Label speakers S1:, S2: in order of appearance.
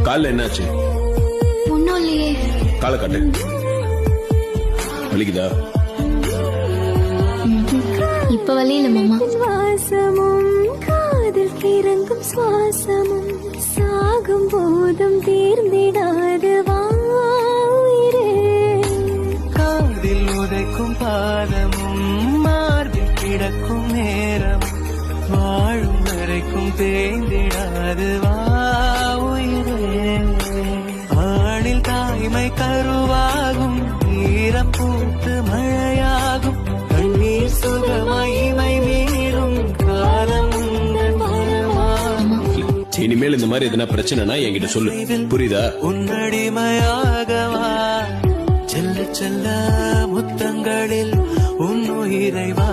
S1: கால்ல என்னாச்சு?
S2: ஒன்னும் இல்லையே.
S1: காலை காட்டு. வலிக்குதா?
S2: இப்ப வலியில மாமா.
S3: சுவாசமும் காதல் கிறங்கும் சுவாசமும் சாகும் போதும் தீர்ந்திடாது வாயிரே.
S4: காதில் உதைக்கும் பாதமும் மார்பில் கிடக்கும் நேரம் வாழும் வரைக்கும் தேய்ந்திடாது வாயிரே. ஆணில் தாய்மை கருவாகும் ஈரம் பூத்து மழையாகும் கண்ணீர் சுகமகிமை மீறும் காலம் உந்தன் வரமாகும்.
S1: இனிமேல் இந்த மாதிரி எதனா பிரச்சனைனா என்கிட்ட சொல்லு, புரியுதா?
S4: உன்னடிமையாகவா செல்ல செல்ல முத்தங்களில் உன் உயிரை